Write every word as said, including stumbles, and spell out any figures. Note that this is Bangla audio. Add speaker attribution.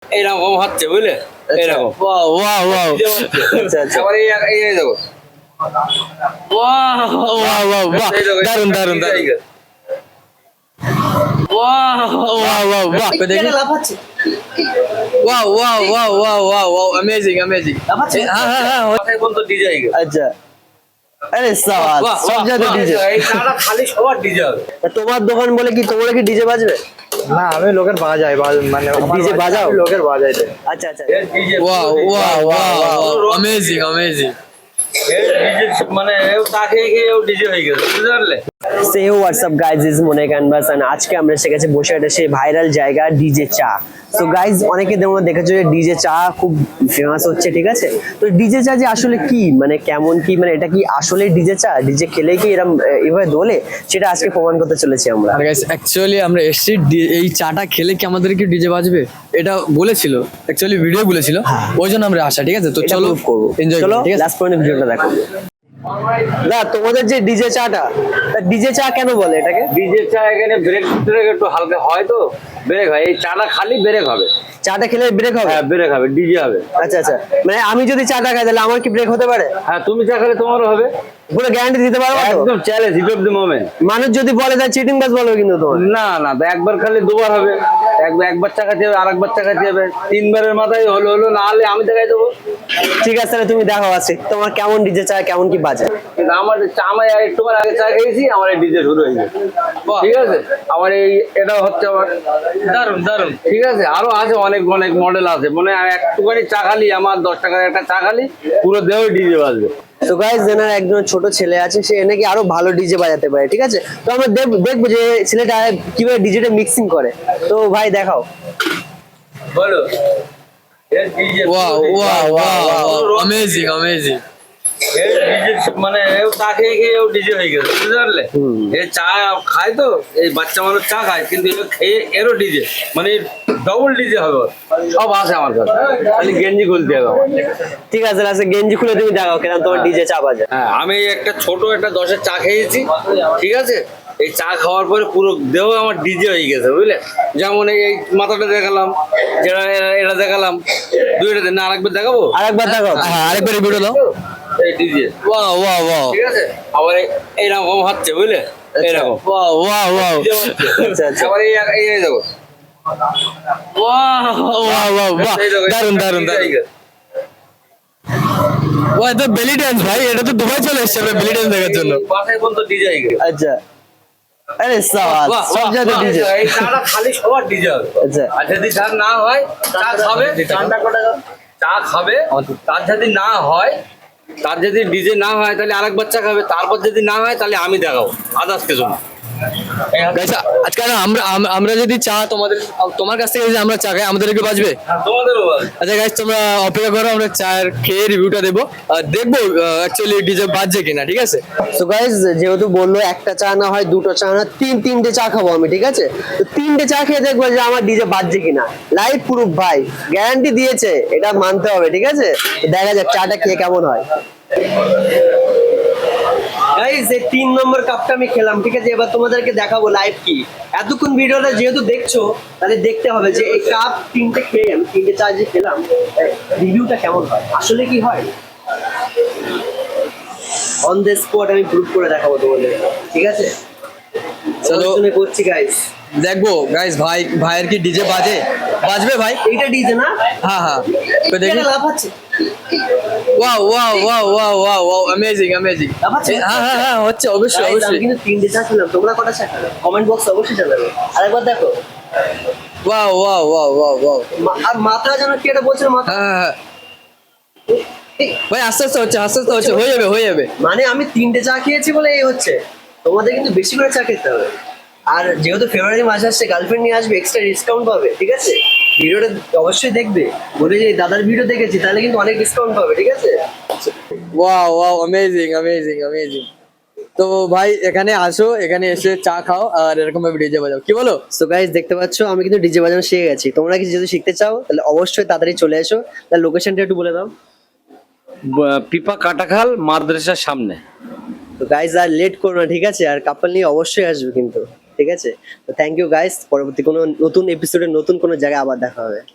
Speaker 1: এইরকম হচ্ছে বুঝলে, এইরকম
Speaker 2: ওয়াও ওয়াও ওয়াও
Speaker 3: আচ্ছা আচ্ছা
Speaker 1: আবার এই এই এই দেখো
Speaker 2: ওয়াও ওয়াও ওয়াও বাহ দারুন দারুন দারুন ওয়াও ওয়াও ওয়াও বাহ দেখি
Speaker 3: এটা লাফাচ্ছে
Speaker 2: wow wow wow wow wow wow amazing amazing
Speaker 3: লাফাচ্ছে
Speaker 2: হ্যাঁ হ্যাঁ হ্যাঁ
Speaker 1: কথায় বলতো ডিজে হয়ে গেছে।
Speaker 3: আচ্ছা আরে সাবাস
Speaker 2: বাহ,
Speaker 3: সব
Speaker 2: বাহ,
Speaker 3: জায়গায়
Speaker 2: বাহ।
Speaker 3: ডিজে
Speaker 1: এই চাটা খালি সবার ডিজে হবে।
Speaker 3: তোমার দোকান বলে কি তোমরা কি ডিজে বাজবে
Speaker 4: না আমি লোকের বাজাই বাজ- মানে আমার
Speaker 3: ডিজে
Speaker 4: বাজাই,
Speaker 3: বাজাও?
Speaker 4: আমি লোকের বাজাই দেয়।
Speaker 3: আচ্ছা আচ্ছা
Speaker 1: এর DJ
Speaker 2: wow wow wow amazing amazing
Speaker 1: এর ডিজে মানে এও চা খেয়ে খেয়ে এও ডিজে হয়ে গেছে, বুঝতে পারলে?
Speaker 3: সে হোয়াটসঅ্যাপ গাইজ ইজ মনে ক্যানভাস এন্ড আজকে আমরা এসে গেছি বসে একটা সেই ভাইরাল জায়গা ডিজে চা। তো গাইজ অনেকে তোমরা দেখেছো যে ডিজে চা খুব ফেমাস হচ্ছে, ঠিক আছে? তো ডিজে চা যে আসলে কি মানে কেমন কি মানে এটা কি আসলে ডিজে চা, ডিজে খেলে কি এরকম আহ, এভাবে দোলে, সেটা আজকে প্রমাণ করতে চলেছি আমরা।
Speaker 2: আর গাইস অ্যাকচুয়ালি আমরা এসছি ডি- এই চাটা খেলে কি আমাদের কি ডিজে বাজবে এটা বলেছিল, অ্যাকচুয়ালি ভিডিও বলেছিল, ওই জন্য আমরা আসা। ঠিক আছে, তো
Speaker 3: এটা
Speaker 2: চলো
Speaker 3: prove করবো,
Speaker 2: এনজয়
Speaker 3: চলো
Speaker 2: ঠিক আছে।
Speaker 3: লাস্ট পয়েন্ট ভিডিওটা দেখো। না তোমাদের যে ডিজে চাটা, ডিজে চা কেন বলে এটাকে?
Speaker 1: ডিজে চা এখানে ব্রেক ব্রেক একটু হালকা হয় তো ব্রেক হয়, এই চাটা খালি ব্রেক হবে।
Speaker 3: চাটা খেলে ব্রেক হবে?
Speaker 1: হ্যাঁ ব্রেক হবে, ডিজে হবে।
Speaker 3: আচ্ছা আচ্ছা, মানে আমি যদি চাটা খাই তাহলে আমার কি ব্রেক হতে পারে?
Speaker 1: হ্যাঁ তুমি চা খেলে তোমারও হবে,
Speaker 3: পুরো গ্যারান্টি দিতে পারবো তো?
Speaker 1: একদম challenge, heat of the moment.
Speaker 3: মানুষ যদি বলে তাহলে চিটিং বাস বলবে কিন্তু তোমার।
Speaker 1: না না, তো একবার খালি দুবার হবে, একবার একবার চা খাতে হবে, আরেকবার চা খাতে হবে, তিনবারের মাথায় হলো হলো, না হলে আমি দেখাই দেবো।
Speaker 3: ঠিক আছে তাহলে তুমি দেখো আছে তোমার কেমন ডিজে চা কেমন কি বাজে।
Speaker 1: কিন্তু আমার চা আমি একটুবার আগে চা খেয়েছি, আমার এই ডিজে শুরু হয়ে গেছে। ঠিক আছে, আমার এই এটাও হচ্ছে আমার
Speaker 2: দারুন দারুন।
Speaker 1: ঠিক আছে, আরো আছে অনেক অনেক মডেল আছে, মানে একটুখানি চা খালি আমার দশ টাকার একটা চা খালি পুরো দেহ ডিজে বাজবে।
Speaker 3: তো গাইস এনার একজন ছোট ছেলে আছে, সে নাকি আরো ভালো ডিজে বাজাতে পারে, ঠিক আছে? তো আমরা দেখ- দেখবো যে ছেলেটা কিভাবে ডিজেটা মিক্সিং করে। তো ভাই দেখাও।
Speaker 1: বলো এর DJ
Speaker 2: wow wow wow amazing amazing.
Speaker 1: এর ডিজে মানে এও চা খেয়ে খেয়ে এও ডিজে হয়ে গেছে, বুঝতে পারলে? এ চা খায় তো, এই বাচ্চা মানুষ চা খায়, কিন্তু এও খেয়ে এরও ডিজে মানে ডবল ডিজে হবে ওর। সব আছে আমার কাছে, খালি গেঞ্জি খুলতে হবে আমার।
Speaker 3: ঠিক আছে লাস্টে গেঞ্জি খুলে তুমি দেখাও কেন তোমার ডিজে চা বাজে।
Speaker 1: হ্যাঁ আমি একটা ছোট একটা দশের চা খেয়েছি, ঠিক আছে? এই চা খাওয়ার পরে পুরো দেহ আমার ডিজে হয়ে গেছে, বুঝলে? যেমন এই এই মাথাটা দেখালাম, যেটা এরা- এটা দেখালাম, দুইটা দিন না আরেকবার দেখাবো,
Speaker 3: আরেকবার দেখাও।
Speaker 2: হ্যাঁ আরেকবার ভিডিও দাও।
Speaker 1: এই ডিজে,
Speaker 2: ওয়াও ওয়াও ওয়াও
Speaker 1: ঠিক আছে? আবার এই- এইরকম হচ্ছে, বুঝলে? এইরকম
Speaker 2: ওয়াও ওয়াও ওয়াও
Speaker 3: আচ্ছা আচ্ছা,
Speaker 1: আবার এই এই এই দেখো
Speaker 2: ওয়াও ওয়াও ওয়াও বাহ
Speaker 1: এই দেখো,
Speaker 2: দারুন দারুন
Speaker 1: ডিজে হয়ে
Speaker 2: দারুন।
Speaker 1: গেছে।
Speaker 2: ও এটা বেলি ড্যান্স ভাই, এটা তো দুবাই চলে এসেছে আমরা বেলি ড্যান্স দেখার জন্য।
Speaker 1: এই বাসায় বলতো ডিজে হয়ে গেছে।
Speaker 3: আচ্ছা আরে সাবাস
Speaker 2: বাহ,
Speaker 3: সব
Speaker 2: বাহ,
Speaker 3: জায়গায়
Speaker 2: বাহ।
Speaker 3: ডিজে।
Speaker 1: এই চাটা খালি সবার ডিজে হবে।
Speaker 3: আচ্ছা
Speaker 1: আর যদি চা না হয়, চা খাবে, চা খাবে, তার যদি না হয়, তার যদি ডিজে না হয় তাহলে আরেক বাচ্চা খাবে, তারপর যদি না হয় তাহলে আমি দেখাবো, আদার্স কিছু না।
Speaker 2: গাইস আজকে না আমরা আম- আমরা যদি চা তোমাদের তোমার কাছ থেকে যদি আমরা চা খাই আমাদেরকে বাজবে।
Speaker 1: হ্যাঁ, তোমাদেরও বল।
Speaker 2: আচ্ছা গাইস তোমরা অপেক্ষা করো, আমরা চায়ের খেয়ে রিভিউটা দেবো আর দেখবো অ্যাকচুয়ালি ডিজে বাজছে কিনা, ঠিক আছে?
Speaker 3: তো গাইজ যেহেতু বললো একটা চা না হয় দুটো চা না তিন তিনটে চা খাবো আমি, ঠিক আছে? তো তিনটে চা খেয়ে দেখবো যে আমার ডিজে বাজছে কিনা। লাইভ প্রুফ ভাই, গ্যারান্টি দিয়েছে, এটা মানতে হবে, ঠিক আছে? তো দেখা যাক চাটা খেয়ে কেমন হয়। গাইজ এই তিন নম্বর কাপটা আমি খেলাম, ঠিক আছে? এবার তোমাদেরকে দেখাবো লাইভ কি। এতক্ষণ ভিডিওটা যেহেতু দেখছো তাহলে দেখতে হবে যে এই কাপ তিনটে খেয়ে আমি তিনটে চা যে খেলাম রিভিউটা কেমন হয়, আসলে কি হয়। অন দ্য স্পট আমি প্রুভ করে দেখাবো তোমাদের, ঠিক আছে?
Speaker 2: চলো।
Speaker 3: চলো করছি গাইজ।
Speaker 2: দেখবো গাইস ভাই ভাইয়ের কি ডিজে বাজে বাজবে ভাই।
Speaker 3: এইটা ডিজে না?
Speaker 2: হ্যাঁ হ্যাঁ তো দেখি।
Speaker 3: এটা লাফাচ্ছে।
Speaker 2: Wow wow wow wow wow wow amazing amazing.
Speaker 3: লাফাচ্ছে?
Speaker 2: হ্যাঁ হ্যাঁ হ্যাঁ হচ্ছে অবশ্যই
Speaker 3: Guys, আমি
Speaker 2: অবশ্যই।
Speaker 3: কিন্তু তিনটে চা খেলাম, তোমরা কটা চা খেলে কমেন্ট বক্সে অবশ্যই জানাবে। আরেকবার দেখো।
Speaker 2: Wow wow wow wow wow.
Speaker 3: মা- আর মাথা যেন কি এটা বলছিল মাথা।
Speaker 2: হ্যাঁ হ্যাঁ
Speaker 3: এই,
Speaker 2: ভাই আস্তে আস্তে হচ্ছে আস্তে আস্তে হচ্ছে, হয়ে যাবে হয়ে যাবে।
Speaker 3: মানে আমি তিনটে চা খেয়েছি বলে এই হচ্ছে, তোমাদের কিন্তু বেশি করে চা খেতে হবে। আর যেহেতু ফেব্রুয়ারি মাস আসছে, গার্লফ্রেন্ড নিয়ে আসবে, এক্সট্রা ডিসকাউন্ট পাবে, ঠিক আছে? ভিডিওটা অবশ্যই দেখবে, বলে যে দাদার ভিডিও দেখেছি তাহলে কিন্তু অনেক ডিসকাউন্ট পাবে, ঠিক আছে?
Speaker 2: Wow wow amazing amazing amazing. তো ভাই এখানে আসো, এখানে এসে চা খাও আর এরকম ভাবে ডিজে বাজাও, কি বলো?
Speaker 3: সো গাইজ দেখতে পাচ্ছ আমি কিন্তু ডিজে বাজানো শিখে গেছি। তোমরা কি যদি শিখতে চাও তাহলে অবশ্যই তাড়াতাড়ি চলে এসো। তাহলে লোকেশনটা একটু বলে দাও।
Speaker 1: পিপা কাটাখাল মাদ্রাসার সামনে।
Speaker 3: তো গাইজ আর লেট করো না, ঠিক আছে? আর কাপল নিয়ে অবশ্যই আসবে কিন্তু, ঠিক আছে? তো থ্যাংক ইউ গাইজ, পরবর্তী কোনো নতুন এপিসোডে নতুন কোনো জায়গায় আবার দেখা হবে।